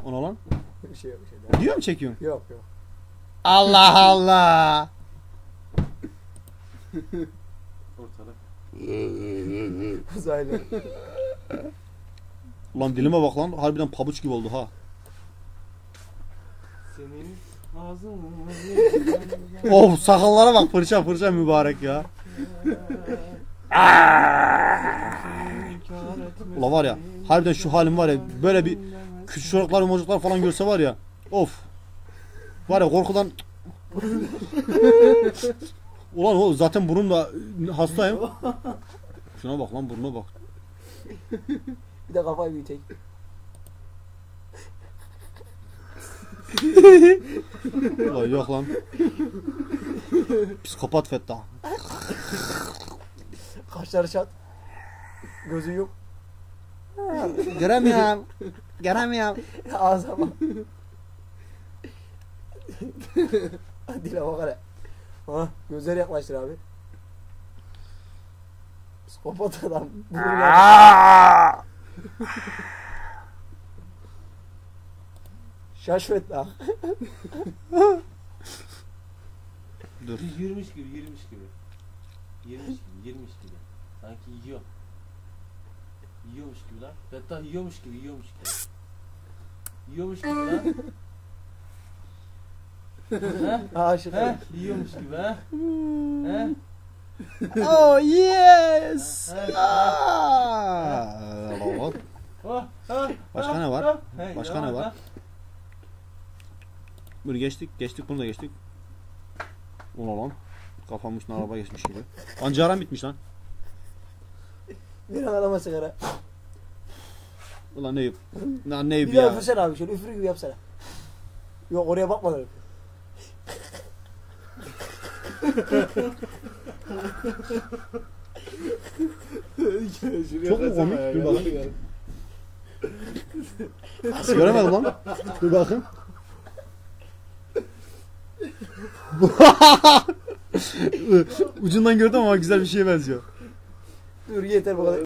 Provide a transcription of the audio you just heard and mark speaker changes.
Speaker 1: Ona lan.
Speaker 2: Bir şey yok, bir şey değil.
Speaker 1: Diyor mu çekiyorsun?
Speaker 2: Yok yok.
Speaker 1: Allah Allah.
Speaker 3: Ortalık.
Speaker 2: Uzaylı.
Speaker 1: Ulan dilime bak lan. Harbiden pabuç gibi oldu ha.
Speaker 3: Senin ağzın.
Speaker 1: Of sakallara bak fırça fırça mübarek ya. Ulan var ya harbiden şu halim var ya böyle bir küçük çocuklar falan görse var ya of. Var ya korkudan. Ulan o zaten burnumda hastayım. Şuna bak lan burnuna bak.
Speaker 2: Bir de kafayı büyütek.
Speaker 1: Ulan yok lan. Psikopat Fettah.
Speaker 2: Kaşları çat. Gözü yok.
Speaker 1: Göremiyorum. Göremiyorum.
Speaker 2: Ağza bak. Dile bak hele. Ha, gözleri yaklaştır abi. Psikopat adam. Şaşvet lan.
Speaker 1: Dur.
Speaker 3: Yürümüş gibi. Yürümüş gibi. Sanki yiyor. Yiyormuş gibi lan. Hatta yiyormuş gibi. Yiyormuş gibi lan.
Speaker 2: Aşık.
Speaker 3: He? Yiyormuş gibi ha? He?
Speaker 1: Oh yes. Başka ne var? Başka ne var? Bunu geçtik bunu da geçtik. Ulan lan. Kafamın üstüne araba geçmiş gibi. Ancaram bitmiş lan.
Speaker 2: Bir an adama sigara.
Speaker 1: Ulan Eyüp. Lan Eyüp
Speaker 2: Bir daha
Speaker 1: ya.
Speaker 2: üfürsene abi şöyle üfür gibi yapsana. Yok oraya bakmadan öp.
Speaker 1: Çok mu komik? Dur bakayım. Göremedim lan. Dur bakayım. Ucundan gördüm ama güzel bir şeye benziyor.
Speaker 2: Dur yeter bu kadar.